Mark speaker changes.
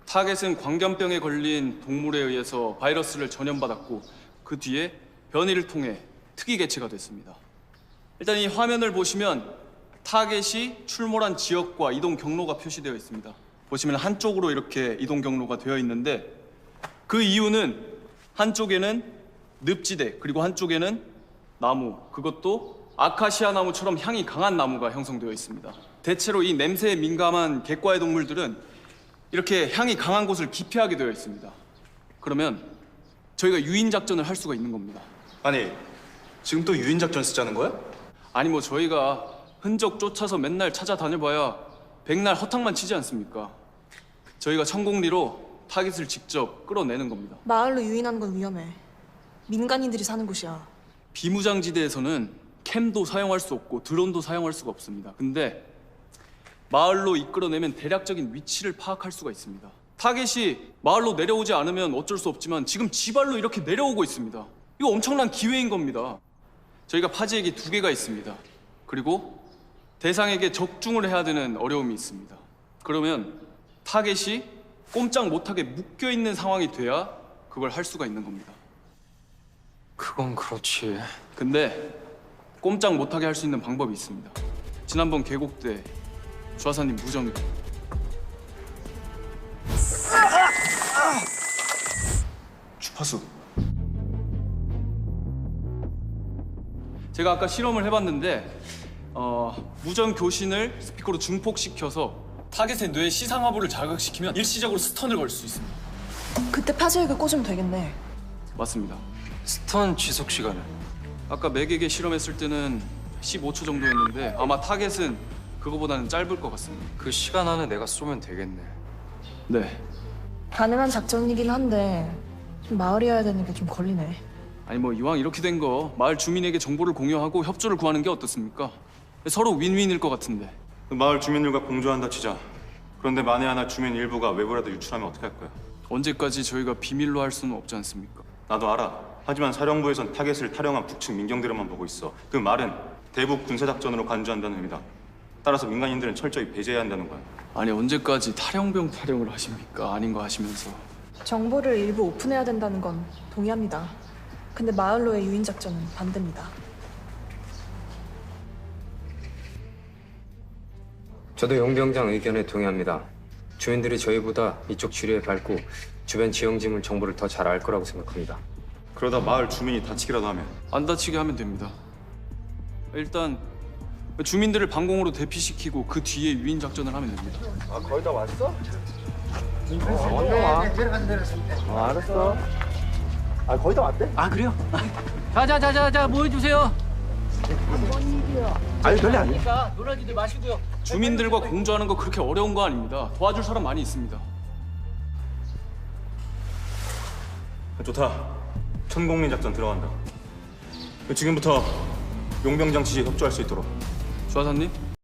Speaker 1: 타겟은 광견병에 걸린 동물에 의해서 바이러스를 전염받았고 그 뒤에 변이를 통해 특이 개체가 됐습니다. 일단 이 화면을 보시면 타겟이 출몰한 지역과 이동 경로가 표시되어 있습니다. 보시면 한쪽으로 이렇게 이동 경로가 되어 있는데 그 이유는 한쪽에는 늪지대 그리고 한쪽에는 나무, 그것도 아카시아 나무처럼 향이 강한 나무가 형성되어 있습니다. 대체로 이 냄새에 민감한 객과의 동물들은 이렇게 향이 강한 곳을 기피하게 되어 있습니다. 그러면 저희가 유인 작전을 할 수가 있는 겁니다.
Speaker 2: 아니, 지금 또 유인 작전 쓰자는 거야?
Speaker 1: 아니 뭐 저희가 흔적 쫓아서 맨날 찾아다녀봐야 백날 허탕만 치지 않습니까? 저희가 천공리로 타깃을 직접 끌어내는 겁니다.
Speaker 3: 마을로 유인하는 건 위험해. 민간인들이 사는 곳이야.
Speaker 1: 비무장지대에서는 캠도 사용할 수 없고 드론도 사용할 수가 없습니다. 근데 마을로 이끌어내면 대략적인 위치를 파악할 수가 있습니다. 타겟이 마을로 내려오지 않으면 어쩔 수 없지만 지금 지발로 이렇게 내려오고 있습니다. 이거 엄청난 기회인 겁니다. 저희가 파지액이 2개가 있습니다. 그리고 대상에게 적중을 해야 되는 어려움이 있습니다. 그러면 타겟이 꼼짝 못하게 묶여있는 상황이 돼야 그걸 할 수가 있는 겁니다.
Speaker 4: 그건 그렇지.
Speaker 1: 근데 꼼짝 못하게 할 수 있는 방법이 있습니다. 지난번 계곡 때 주하사님 무전으로
Speaker 2: 주파수.
Speaker 1: 제가 아까 실험을 해봤는데 무전 교신을 스피커로 증폭시켜서 타겟의 뇌 시상하부를 자극시키면 일시적으로 스턴을 걸 수 있습니다.
Speaker 3: 그때 파지액을 꽂으면 되겠네.
Speaker 1: 맞습니다.
Speaker 4: 스턴 지속 시간은?
Speaker 1: 아까 맥에게 실험했을 때는 15초 정도였는데 아마 타겟은 그거보다는 짧을 것 같습니다.
Speaker 4: 그 시간 안에 내가 쏘면 되겠네.
Speaker 1: 네.
Speaker 3: 가능한 작전이긴 한데 마을이어야 되는 게 좀 걸리네.
Speaker 1: 아니 뭐 이왕 이렇게 된 거 마을 주민에게 정보를 공유하고 협조를 구하는 게 어떻습니까? 서로 윈윈일 것 같은데.
Speaker 2: 마을 주민들과 공조한다 치자. 그런데 만에 하나 주민 일부가 외부라도 유출하면 어떻게 할 거야?
Speaker 1: 언제까지 저희가 비밀로 할 수는 없지 않습니까?
Speaker 2: 나도 알아. 하지만 사령부에선 타겟을 탈영한 북측 민경들만 보고 있어. 그 말은 대북 군사작전으로 간주한다는 의미다. 따라서 민간인들은 철저히 배제해야 한다는 거야.
Speaker 1: 아니 언제까지 탈영병 타령을 하십니까? 아닌 거 하시면서.
Speaker 3: 정보를 일부 오픈해야 된다는 건 동의합니다. 근데 마을로의 유인 작전은 반대입니다.
Speaker 5: 저도 용병장 의견에 동의합니다. 주민들이 저희보다 이쪽 지뢰에 밟고 주변 지형지물 정보를 더 잘 알 거라고 생각합니다.
Speaker 2: 그러다 마을 주민이 다치기라도 하면
Speaker 1: 안 다치게 하면 됩니다. 일단 주민들을 방공으로 대피시키고 그 뒤에 유인 작전을 하면 됩니다.
Speaker 6: 아 그래요? 자자자자자 모여주세요.
Speaker 7: 아니 별일 아니에요.
Speaker 6: 그러니까 놀라지들 마시고요.
Speaker 1: 주민들과 공조하는 거 그렇게 어려운 거 아닙니다. 도와줄 사람 많이 있습니다.
Speaker 2: 좋다. 천공리 작전 들어간다. 지금부터 용병장 지시에 협조할 수 있도록.
Speaker 1: 주하사님?